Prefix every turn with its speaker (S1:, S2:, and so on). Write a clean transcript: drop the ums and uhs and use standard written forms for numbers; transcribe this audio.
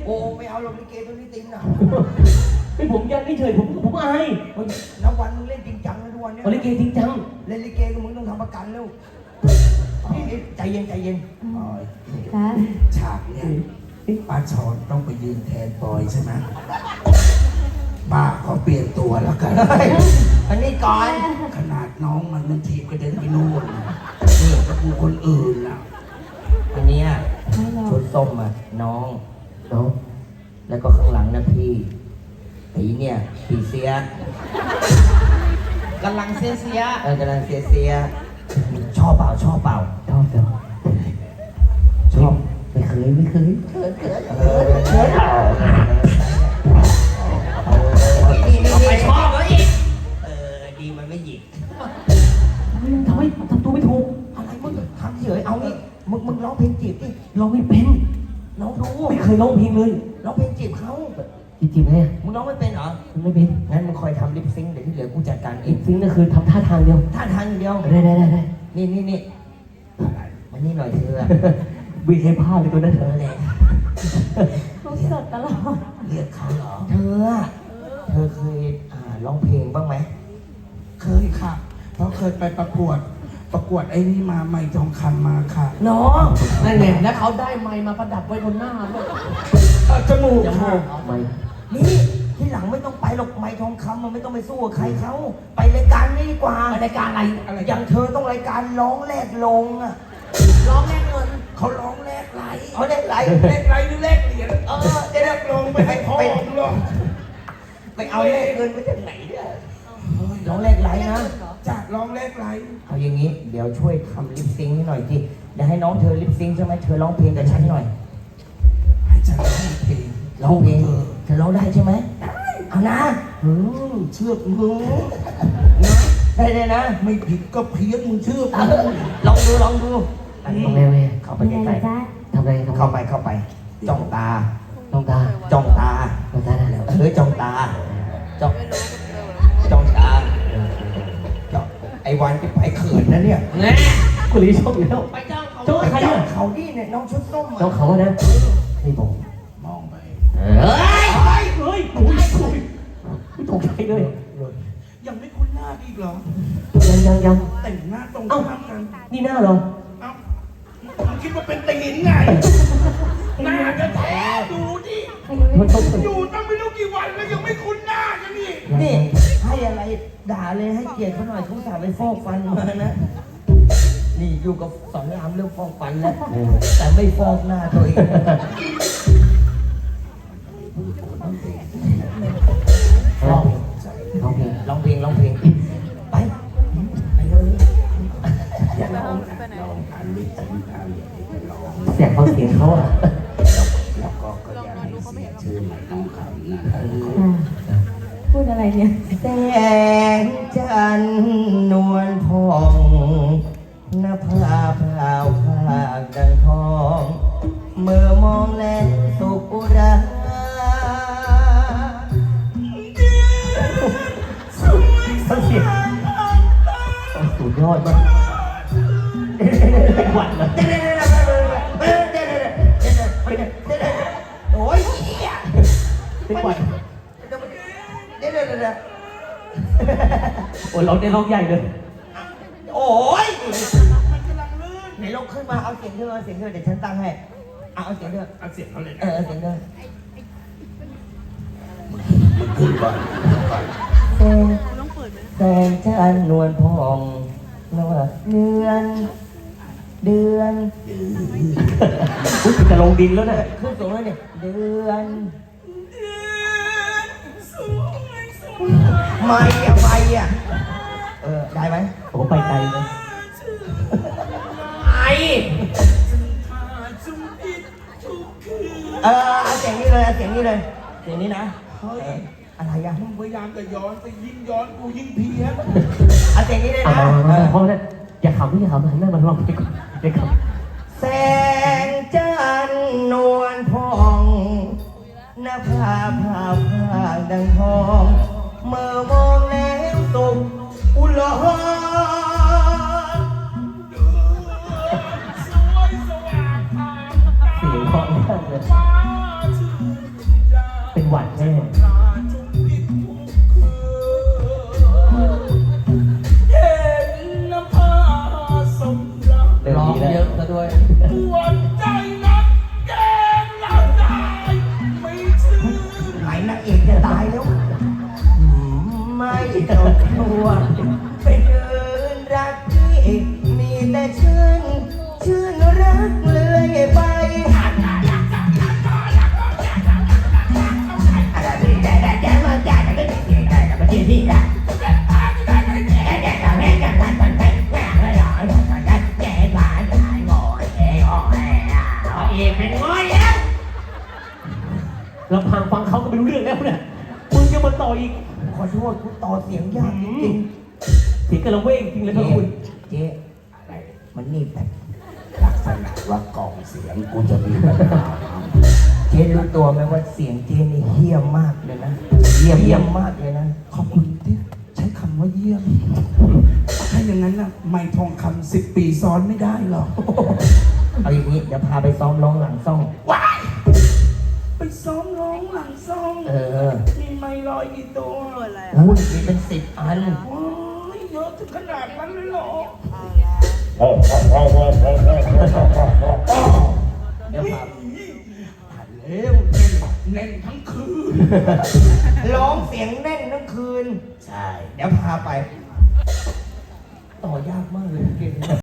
S1: โอ้ไม่เอาลงลิเกตัวนี้ติมนะ
S2: เป็นผมยันไม่เฉยผมอาย
S1: นับวันมึงเล่นจริงจังนะทุกวันเนี้ย
S2: ลิเกจริงจัง
S1: เล่นลิเกก็มึงต้องทำประกันแล้วนี่ใจเย็นใจเย็น
S3: คะ
S4: ฉากเนี่ยป้าชอนต้องไปยืนแทนปอยใช่ไหมป้าขอเปลี่ยนตัวแล้วกัน
S1: อันนี้ก่อน
S4: ขนาดน้องมันทีบกระเด็นไปนู่นนี่ก็กูคนอื่นล่ะ
S1: อันเนี้ย
S3: ไม่หรอก
S1: ชุดส้มอ่ะน้อง
S2: น้อง
S1: แล้วก็ข้างหลังนะพี่ผีเนี่ยผีเสีย
S5: กำลังเสีย
S1: กำลังเสียชอบเปล่าชอบเปล่า
S2: ชอบจังชอบไม่เคย
S1: เขินเปล่านี่ไปชอบแล้วอีกดีมันไม่หยิก
S2: ทำไมทำตัวไม่ถูก
S1: อะไรมึงทำเฉยเอางี้มึงร้องเพลงจีบดิ
S2: เราไม่เป็น
S1: น้องดู
S2: ไม่เคยร้องเพลงเลย
S1: ร้องเพลงจีบเขา
S2: จริงๆไหม
S1: มึงร้องไม่เป็นเหรอ
S2: ไม่เป็น
S1: งั้นมึงคอยทำลิปซิงค์เดี๋ยวที่เหลือกูจัดการเอ
S2: อี
S1: ง
S2: กสิ่งนึงคือทำท่าทางเดียว
S1: ท่าทางอย่างเดียว
S2: ได้
S1: นี่มานี่หน่อยเธอ
S2: บีให้ผ้าเลยตัวนั้น
S1: เธอแหละ
S3: เขาสดตลอด
S1: เรียกเขาเหรอ เธอเคยร้องเพลงบ้างไหม
S4: เคยค่ะ เพราะเคยไปประกวดไอ้นี่มาไม่ทองคำมาค่ะ
S1: น้อง
S5: ๆนั่นไงแล้วเขาได้ไมค์มาประดับไว้บนหน้าด้วย
S4: จมูก
S5: จมู
S4: ค่ะ
S5: ก
S2: ไม่
S1: นี่ที่หลังไม่ต้องไปหรอกไม้ทองคำมันไม่ต้องไปสู้กับใครเขาไปรายการนี้ดีกว่า
S5: รายการอะไร
S1: อย่างเธอต้องรายการร้องแลกลงอ่ะ
S5: ร้องแลกเงิน
S4: เขาร้องแลกไหล
S1: เอาแลกไหล
S4: แลกไหลหรือแลกเหรียญ
S1: จะแลกลง
S4: ไม่ให้พ่อหรอก
S1: ไปเอาแลกเงินมาจากไหนเนี่ยร้องแลกไหลนะ
S4: จะร้องแลกไหล
S1: เอาอย่างนี้เดี๋ยวช่วยทำลิปซิงค์ให้หน่อยสิเดี๋ยวให้น้องเธอลิปซิงค์ใช่ไหมเธอร้องเพลงกับฉันหน่อย
S4: ให้ฉันร้องเพลง
S1: ร้องเพลงเธอร้องได้ใช่ไหมเอานะ
S4: เชื่อมึง
S1: ได้นะ
S4: ไม่ผิดก็เพี้ยนมึงเชื่อ
S1: ลองดูอันนี้
S2: แม่
S1: เข้าไป
S3: เป็น
S1: ใก
S3: ไง
S1: ล้
S3: จ๊ะ
S2: ทำอะไร
S1: ๆเข้าไปจ้องตา
S2: ต้องตา
S1: จ้องตา
S2: ต้องตาได้แล้ว
S1: จ้องตาจ้องตาจ้องไอ้วันที่ไปเขินนะเนี่ย
S5: แน่
S2: คุณลีชอบอยู่แล้ว
S5: ไปจ้างเขา
S2: จ้อง
S1: ไป
S2: ใคร
S1: จ้อ
S2: อ่ะ
S1: งเขาดิเนี่ยน้องชุดส้ม
S2: จ้องเขานะไม่บอก
S4: มองไป
S2: เฮ้ยตกใจเลย
S4: ยังไม่คุ้นหน้าอีกเหรอ
S2: ยัง
S4: แต่งหน้าตรงข้ามกัน
S2: นี่หน้าเหรอ
S4: เอ้ามึงคิดว่าเป็นตีนไง หน้าจะแท้ดูดิ
S2: มันต้อง
S4: อยู่ตั้งไม่รู้กี่วันแล้วยังไม่คุ้นหน้ากันนี่
S1: นี่ให้อะไรด่าเลยให้เกียรติเขาหน่อยเขาสาไปฟอกฟันมานะนี่อยู่กับสอนรามเรื่องฟอกฟันแล้วแต่ไม่ฟอกหน้าตัวเองร้องเพลงไปเลยอย่าร้อง
S4: ลองอ่านลิสต์สินค้าอย่างนี้ไปลอง
S2: เสียงเขาเสียงเขาอ่ะ
S4: แล้วก็อยากให้เสียชื่อใหม่น้องคำนะครับ
S3: พูดอะไรเนี่ย
S1: แสงจันทร์นวลพองหน้าผาพราวผากดังทองเมื่อมองแลสุกุรา
S2: เขาเสียงสุดยอดมากเป็นหวัดนะ
S1: โอ้ยเหี้ย
S2: เป็นหวัด
S1: เดี๋ยว
S2: โอ้เราได้ร้องใหญ่เลย
S1: โอ้ยไหนลงขึ้นมาเอาเสียงเธอเดี๋ยวฉันตั้งให้เอาเสียงเธอ
S4: เอาเสียงเขาเลย
S1: เสียงเธอ
S4: มึงขึ้นก่อน
S1: แสงจันทร์นวลพองนะว่าเดือน
S2: อุ้ยจะลงดินแล้วนะ
S1: ขึ้นสูงแล้วเนี่ยเดือนไม่อ่ะได้ไหม
S2: ผมไปไกลเลย
S1: เอาเสียงนี้เลยเสียงนี้นะ
S4: เฮ้ย
S1: อะไรอ่ะ
S4: มึงพยายามจะย้อนไปยิ่งย้อนกูยิ่งเพี้ยน
S1: เอาเสียงนี้เลยนะ
S2: เพราะนั้นอย่าขำไม่อย่าขำหันหน้ามาลองไปก่อนอย่าขำ
S1: แสงจันทร์นวลพองหน้าผาผาดังทองเมื่อมองแล้วตกอุลหะ
S2: เสียงเพราะมากเลย
S4: ฟ้าชื่อ
S2: หวัดแน่
S4: เห็นน้ำผ้าสมรัก
S2: เริ่ม
S5: ร้อง
S2: ดีแล้ว
S5: เยอะซะด้วย
S4: ปวดใจนักแกงเราได้ไม่ชื่อ
S1: ไหนนางเอกจะตายแล้วไม่ต้องกลัวไปเดินรักที่มีแต่ชื่นรักเลื่อยไปเอกเป็นง้อยแล้ว
S2: ลำพังฟังเขาก็ไม่รู้เรื่องแล้วเนี่ยมึงจะมาต่ออีก
S1: ขอโทษกูต่อเสียงยากจริง
S2: เสียงกระเว้งจริงเลย
S1: ๆ
S2: พระคุณ
S1: เจ๊
S4: อะไร
S1: มันนี่แบบ
S4: ลักษณะว่ากล่องเสียงกูจะมีปัญหา
S1: เจ๊รู้ตัวไหมว่าเสียงเจ๊นี่เฮี้ยมมากเลยนะเยี่ยมมากเลยนะ
S4: ขอบคุณที่ใช้คำว่าเยี่ยม ถ้าอย่างนั้นนะไม่ทองคำ10 ปีซ้อนไม่ได้หรอก
S1: เอาอย่างนี้เดี๋ยวพาไปซ้อมร้องหลังซ่อง
S4: ว้ายไปซ้อมร้องหลังซ่อง มีไม้ลอยกี่ตัว
S1: อุ้ยมีเป็น10 อัน
S4: โอ้ยเยอะถึงขนาดนั้นเลยเหรอ
S1: เดี๋ยวพา
S4: เร็วเน่นทั้งคืน
S1: ร้องเสียงแน่นทั้งคืน
S4: ใช่
S1: เดี๋ยวพาไป ต่อยากมากเลยเก่ง